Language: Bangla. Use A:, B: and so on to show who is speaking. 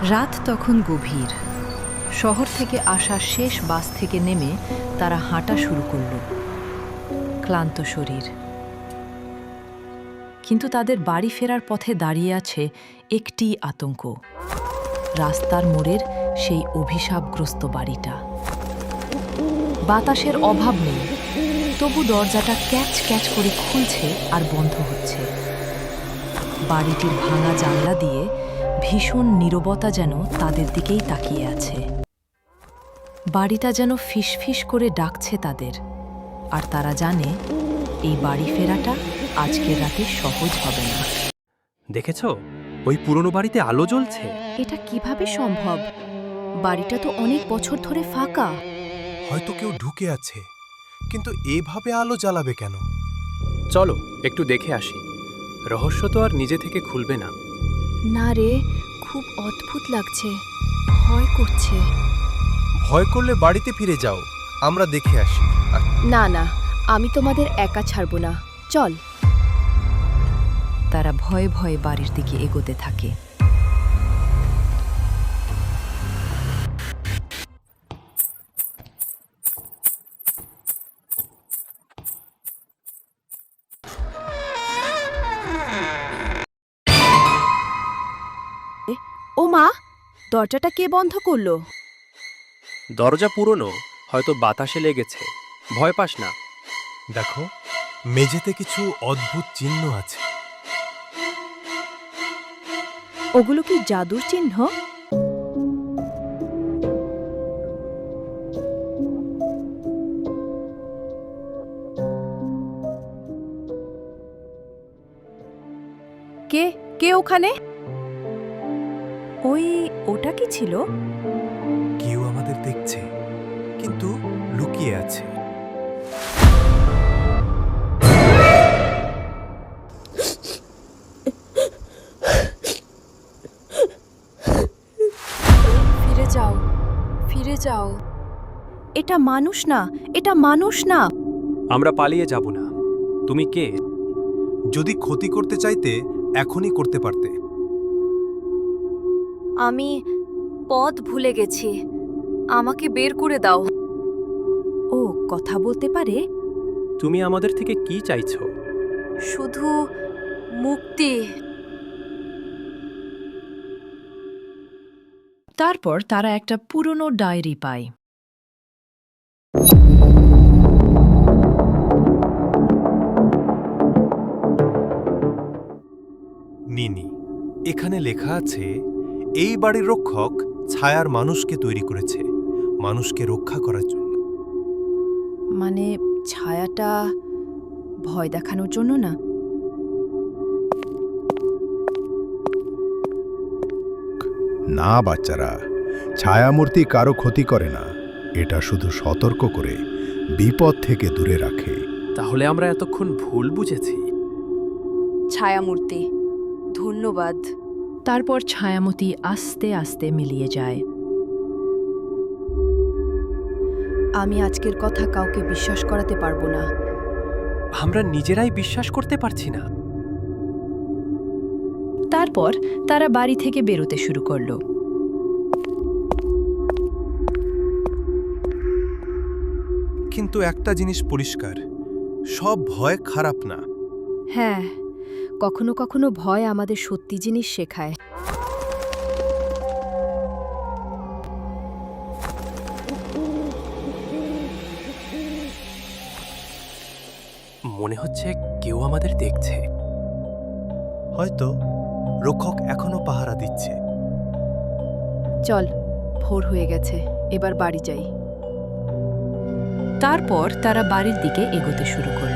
A: রাত তখন গভীর। শহর থেকে আসা শেষ বাস থেকে নেমে তারা হাঁটা শুরু করল, ক্লান্ত শরীর। কিন্তু তাদের বাড়ি ফেরার পথে দাঁড়িয়ে আছে একটি আতঙ্ক, রাস্তার মোড়ের সেই অভিশাপগ্রস্ত বাড়িটা। বাতাসের অভাব নেই, তবু দরজাটা ক্যাচ ক্যাচ করে খুলছে আর বন্ধ হচ্ছে। বাড়িটির ভাঙা জানলা দিয়ে ভীষণ নীরবতা যেন তাদের দিকেই তাকিয়ে আছে। বাড়িটা যেন ফিসফিস করে ডাকছে তাদের, আর তারা জানে এই বাড়ি ফেরাটা আজকের রাতে সহজ হবে না।
B: দেখেছো, ওই পুরনো বাড়িতে আলো জ্বলছে।
C: এটা কিভাবে সম্ভব? বাড়িটা তো অনেক বছর ধরে ফাঁকা।
D: হয়তো কেউ ঢুকে আছে, কিন্তু এভাবে আলো জ্বালাবে কেন?
B: চলো একটু দেখে আসি। রহস্য তো আর নিজে থেকে খুলবে না।
C: না রে, খুব অদ্ভুত লাগছে, ভয় করছে।
D: ভয় করলে বাড়িতে ফিরে যাও, আমরা দেখে আসি।
C: না না, আমি তোমাদের একা ছাড়ব না, চল।
A: তারা ভয়ে ভয়ে বাড়ির দিকে এগোতে থাকে।
C: ও মা, দরজাটা কে বন্ধ করলো?
B: দরজা পুরনো, হয়তো বাতাসে লেগেছে। ভয় পাস না।
D: দেখো, মেঝেতে কিছু অদ্ভুত চিহ্ন আছে।
C: ওগুলো কি জাদুর চিহ্ন? কে কে ওখানে?
A: ওটা কি ছিল?
D: কেউ আমাদের দেখছে, কিন্তু লুকিয়ে আছে।
C: ফিরে যাও, ফিরে যাও। এটা মানুষ না, এটা মানুষ না।
B: আমরা পালিয়ে যাব না। তুমি কে?
D: যদি ক্ষতি করতে চাইতে এখনই করতে পারতে।
C: আমি পথ ভুলে গেছি, আমাকে বের করে দাও।
A: ও কথা বলতে পারে?
B: তুমি আমাদের থেকে কি চাইছো?
C: শুধু মুক্তি।
A: তারপর তারা একটা পুরনো ডায়েরি পায়।
D: নিনি, এখানে লেখা আছে, এই বাড়ির রক্ষক ছায়ার মানুষকে তৈরি করেছে, মানুষকে রক্ষা করার জন্য।
C: মানে ছায়াটা ভয় দেখানোর জন্য না?
E: না বাচ্চারা, ছায়ামূর্তি কারো ক্ষতি করে না, এটা শুধু সতর্ক করে বিপদ থেকে দূরে রাখে।
B: তাহলে আমরা এতক্ষণ ভুল বুঝেছি।
C: ছায়ামূর্তি, ধন্যবাদ।
A: তারপর ছায়ামতি আস্তে আস্তে মিলিয়ে যায়।
C: আমি আজকের কথা কাউকে বিশ্বাস করাতে পারবো না।
B: আমরা নিজেরাই বিশ্বাস করতে পারছি না।
A: তারপর তারা বাড়ি থেকে বেরোতে শুরু করলো।
D: কিন্তু একটা জিনিস পরিষ্কার, সব ভয় খারাপ না।
C: হ্যাঁ, কখনো কখনো ভয় আমাদের সত্যি জিনিস শেখায়।
B: মনে হচ্ছে কেউ আমাদের দেখছে।
D: হয়তো রক্ষক এখনো পাহারা দিচ্ছে।
C: চল, ভোর হয়ে গেছে, এবার বাড়ি যাই।
A: তারপর তারা বাড়ির দিকে এগোতে শুরু করল।